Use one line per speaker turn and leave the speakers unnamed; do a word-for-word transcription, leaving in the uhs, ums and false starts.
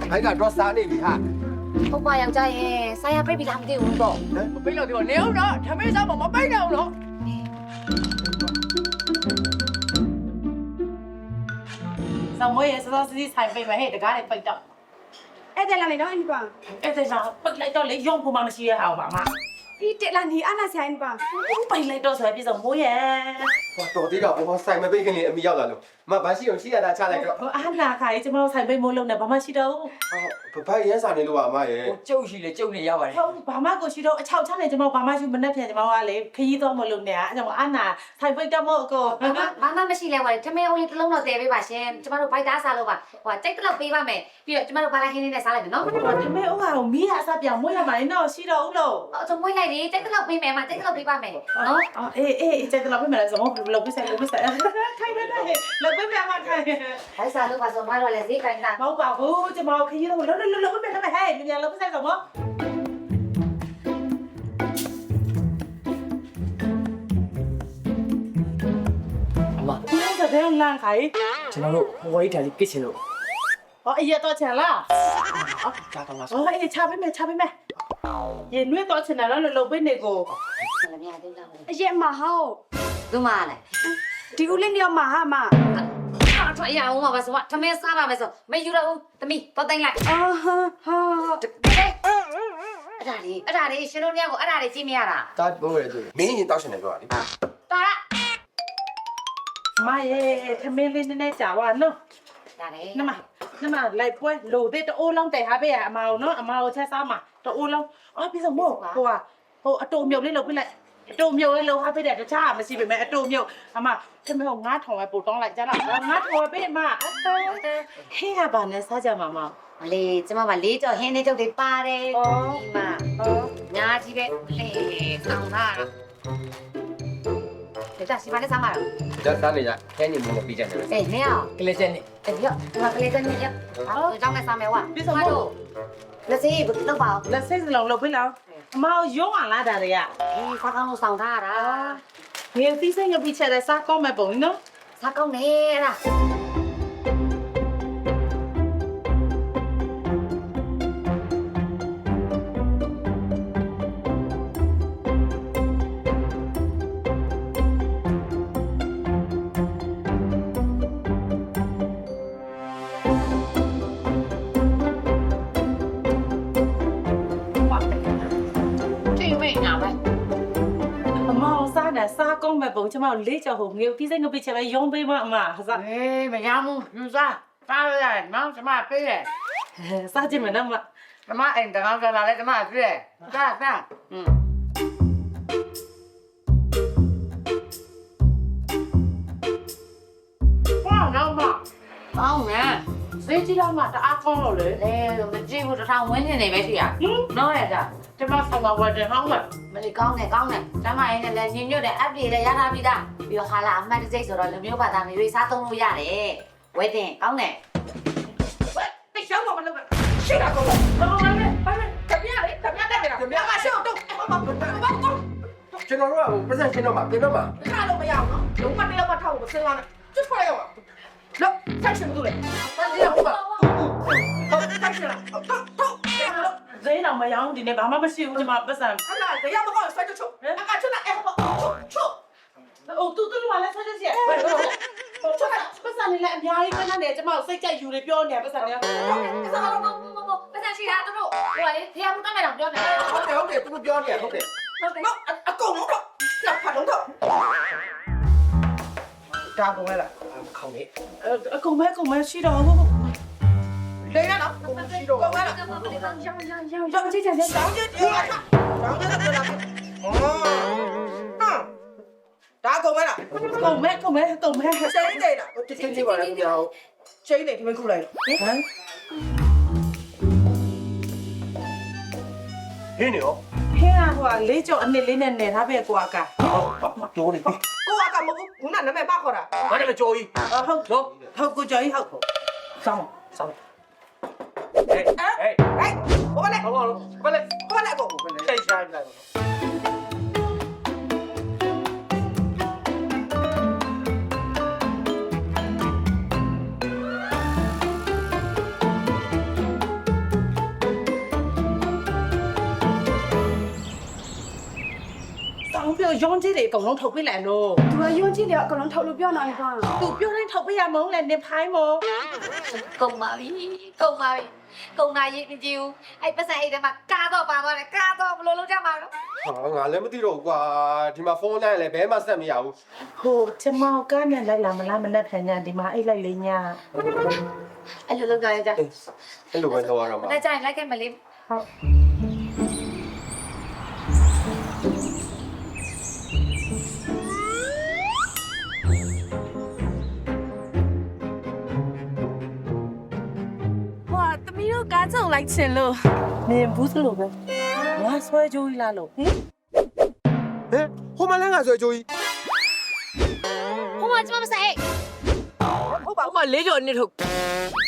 ခိုင်းကတော့စားနေပြီဟာ
ဟုတ်ပါယောက်ျားရဲ့ဆိုင်ရပြိတ်ပြီးလားမသိဘူးပေါ့
မပိတ်လို့ဒီနေအောင်တော့ထမင်းစားမမပိတ်တော့လို့ဆောင်းမွေးရစောစီးဆိုင်ပိတ်မယ်ဟဲ့တကားလေးပိတ်တော့
အဲ့ဒါလည်းတော့အင်းပါ
အဲ့ဒါကြောင့်ပိတ်လိုက်တော့လေရုံဖို့မှမရှိရအောင်ပါမ
ဒီတက်လာနေအားနာဆိုင်ပါ
ပိတ်လိုက်တော့ဆိုပြည့်စုံမိုးရဲ့
ဟောတော်သေးတော့ဘောဆိုင်မပိတ်ခင်လေးအမိရောက်လာလို့မဘာရှိအောင်ရှိရတာချလိုက်တော့
အာနာခါကြီးကျမတို့ဆိုင်ပိတ်မိုးလုံးနဲ့ဘာမှရှိတော့
ဟောဘဘရန်စာနေလို့ပါအမရဲ့
ကျုပ်ရှိလေကျုပ်နေရပါတယ်
ဟုတ်ဘာမှကိုရှိတော့အချောက်ချနေကျမတို့ဘာမှရှိမနဲ့ပြန်ကျမတို့ကလေခရီးသွားမလို့နေအဲ့ကြောင့်အာနာဆိုင်ပိတ်တော့မို့အကို
ဘာမှမရှိလဲဝါထမင်းအောင်လေးတစ်လုံးတော့တည်ပေးပါရှင်ကျမတို့ဘိုက်သားစားလို့ပါဟိုကြိတ်တစ်လောက်ပေးပါမယ်ပြီးတော့ကျမတို့ဘာလိုက်ခင်းလေးနဲ့စားလိုက်မယ်နော်
ဒီမေဦးကတော့မီးရအစပြောင်မွေးရမှာလေတော့ရှိတော့ဦးလို့
အစုံမွေးလိုက်လေကြိတ်တစ်လောက်ပေးမယ်မကြိတ်တစ်လောက်ပေးပါမယ်နော်
အော်အေးအေးကျတဲ့လောက်ပြမယ်လဲဆိုတော့လောက်ပြဆိုင်လောက်ပြဆိုင်ခိုင်နေတယ်လောက်ပြမယ်မှာခိုင်
ဘိုက်စားလို့ပါဆိုမတော့လေဈေးကိုင်းတာ
မဟုတ်ပါဘူးကျမတို့ခရီးတော့လောက်လောက်လောက်ပြမယ်ဟဲ့မြန်လောက်ပြဆိုင်ဆိုမ
အမ
ဘယ်လိုလဲလန့်ခိုင်
ကျွန်တော်တို့ဟိုဝိုင်းထိုင်လေးကစ်ချင်လို့
ဟောအရက်တော့ချင်လား
ကြားကောင်းလား
ဟောအေးချပေးမယ်ချပေးမယ်ရေနွေးတော့ချင်တယ်လို့လုံပေးနေကို
ဆလမြသေးလား
အရက်မဟော
သူမလဲ
ဒီဦးလေးနေရာမှာဟာမ
အားထွက်ရအောင်ပါဆိုမထမင်းစားပါမယ်ဆိုမယူတော့ဘူးသမီးတော့တိုင်းလိုက်
အာဟာဟာ
အဲ့ဒါလေးအဲ့ဒါလေးရှင်တို့ညကိုအဲ့ဒါလေးကြည့်မရတာ
တာဘိုးရဲ့သူမင်းရင်တောက်ရှင်တယ်ပြောတာလေ
တော်ရ
မရေထမင်းလေးနည်းနည်းကြာပါနော်
ဒါလေ
နမနမလိုက်ပွဲလိုတဲ့တိုးလုံးတယ်ဟာပေးရအမအောင်နော်အမအောင်ချက်စားမှာတိုးလုံးအော်ပြီးဆုံးမို့ဟိုကဟိုအတူမြုပ်လေးလုပ်ပြလိုက်အတူမြုပ်လေးလုပ်ဟာပေးတယ်တခြားမရှိပေမဲ့အတူမြုပ်အမထမင်းကိုငါးထောင်ပဲပို့တောင်းလိုက်ကြလားငါးထောင်ပဲပေးမအတူဟေးရပါနဲ့စားကြမှာမ
မလေးကျမကလေးကြော်ဟင်းလေးထုတ်တွေပါတယ်ဒီမှာ
ဟော
ညာကြီးပဲလေဆောင်တာဒါတာစီမလေးစားမှာတော့
ဒါစားနေကြခဲနေမှုမပြီးကြတယ်
အေးနေအောင်
ကလေးချက်နေ
အေးရောဒီမှာကလေးတည်းနေရအောင်ကြောင်းနဲ့စားမယ်ဝါလက်စေးဘယ်တော့ပါ
လက်စိတ်စလုံးလုပ်ပေးလောက်အမအောင်ရုံးအောင်လာတာတွေက
ဒီစားကောင်းလို့ဆောင်ထားတာ
ငယ်သီးစိတ်ငပိချက်တဲ့စားကောင်းမဲ့ပုံနော်
စားကောင်းနေလား
အမအောင်စားတယ်စားကောင်းမဲ့ပုံကျမလေးချော်ဟိုငယ်သီးစိတ်ငပိချက်ပဲရုံးပေးမအမစားအေးမရဘူးယူစားစားရတယ်နော်ကျမပေးတယ်စားကြည့်မယ်နော်မ
ကျမအိမ်တကောင်းကြလာလဲကျမပြည့်စားစားอืม
哇老妈
ကောင်းနေ
谁知道嘛တအားကောင်းလို့လေ
လေမကြည့်ဘူးတစ်ထောင်ဝင်းနေနေပဲရှိရ
ဟင်
နော်ရတာ
ကျမဆောင်မဝတ်တယ်ဟောင်းမယ်
မလေးကောင်းတယ်ကောင်းတယ်ကျမရင်းနဲ့လည်းညင်ညွတ်တယ်အပ်ပြေလည်းရထားပြီးသားပြီးတော့ဟာလာအမှတ်တစိမ့်ဆိုတော့လူမျိုးဘာသာမျိုးတွေစားသုံးလို့ရတယ်ဝဲတင်ကောင်းတယ်
တိတ်ရှောင်းတော့မလုပ်နဲ့ရှေ့တာကောဘာလို့လဲဘာလဲတပြားလေတပြားတက်နေတာတပြားကရှေ့တော့တော့ဘာဘာဘာ
ကျွန်တော်တို့ကပတ်စံရှင်းတော့မှာပြင်တော့မှာ
ခါလို့မရအောင်နော်လုံးမတယောက်ကထောက်ကိုစဉ်းစားနေကျွတ်ထွက်ရအောင်လို့ဆက်ရှင်ဘူးလေဆက်ရှင်ဘူးပါဟုတ်ဆက်ရှင်လားတော့တော့
ဈေးတော့မရောဒီနေ့ဘာမှမရှိဘူးကျမပတ်စံ
အဲ့ဒါတရားမကောင်းဆွဲချွတ်ချွတ်အကချွတ်လိုက်အဲ့ဟောချွတ်
အိုတူတူလာလဲဆက်ချက်ချက်ပတ်စံလေးလည်းအများကြီးခဏနေကျမစိတ်ကြိုက်ယူနေပြောနေပတ်စံလေး
စားတော့မမမပတ်စံရှိတာတို့တို့ဟိုလေဖះမှုတတ်မယ်တော့ပြောနေ
ဟုတ်တယ်ဟုတ်တယ်သူတို့ပြောနေရဟုတ်တယ်
ဟုတ်တယ်
နော်အကုန်လုံးတော့လက်ဖတ်လုံးတော့ဒါကုန်လဲလား
ခေါင်းနေ
အကုန်မဲအကုန်မဲရှိတော့ဟုတ်
လေရနော်ကုန်ရှိတော့ကုန်လား
ရောင်းရောင်းရောင်းရောင်း
ရောင်းကြည့်ကြတယ်ရောင်းကြည့်ကြတယ်ရောင်းကြည့်တယ်လားအော်ဒါကုန်မလား
အကုန်မဲအကုန်မဲအကုန်မဲ
ချိန်နေလားဒီချိန်နေပါလားခင်ဗျာချိန်နေဒီမခုလိုက်လို့
ဟမ်
ဟင်းနေရော
ဟင်းကဟိုလေးကြော်အနစ်လေးနဲ့နေထားပဲကွာက
ဟုတ်တိုးနေပြီ
ကိုကကမဟုတ်ဘူးနာမည်ပါခေါ်တာ
ဘာလဲကြော်ကြီး
ဟုတ်ဟုတ်ဟုတ်ကိုကြော်ကြီးဟုတ်ဆောင်းဆောင်း
ဟေးဟေး
ဟဲ့ဘောလေ
ဟောလို့ဘာလဲ
ဘောလေကို
တိတ်ဆိုင်လိုက်
ကိုရုံးကြီးတွေအကုန်လုံးထုတ်ပေးလိုက်လို့
သူကယွန်းကြည့်တယ်အကောင်လုံးထုတ်လို့ပြောနေပါ
သူပြောတိုင်းထုတ်ပေးရမုန်းလဲနေဖိုင်းမို့
ကုန်ပါပြီကုန်ပါပြီကုန်နာရေးမကြည့်ဘူးအဲ့ပတ်စံအိတ်ထဲမှာကားတော့ပါသွားတယ်ကားတော့ဘလို့လုံးကြမှာတော့
ဟာငါလည်းမသိတော့ဘူးကွာဒီမှာဖုန်းလိုက်လည်းဘဲမှဆက်မရဘူး
ဟိုချမောင်ကားနဲ့လိုက်လာမလားမနဲ့ဖန်ညာဒီမှာအိတ်လိုက်လေးညာ
အဲ့လိုလုံးကြရကြ
အဲ့လိုပဲလုပ်ရတော့မှာ
မနေ့ကျရင်လိုက်ခဲ့မလေး
ဟုတ်
ဟွာသမီးတို့ကားချုပ်လိုက်ချင်လို့
မြင်ဘူးသလိုပဲငါဆွဲကြိုးကြီးလာလို့ဟင်
ဟဲ့ဟိုမလည်းငါဆိုကြိုးကြီး
ဟိုမှာကျမမဆိုင်
ဟုတ်ပါဦးမလေးကျော်နှစ်ထုတ်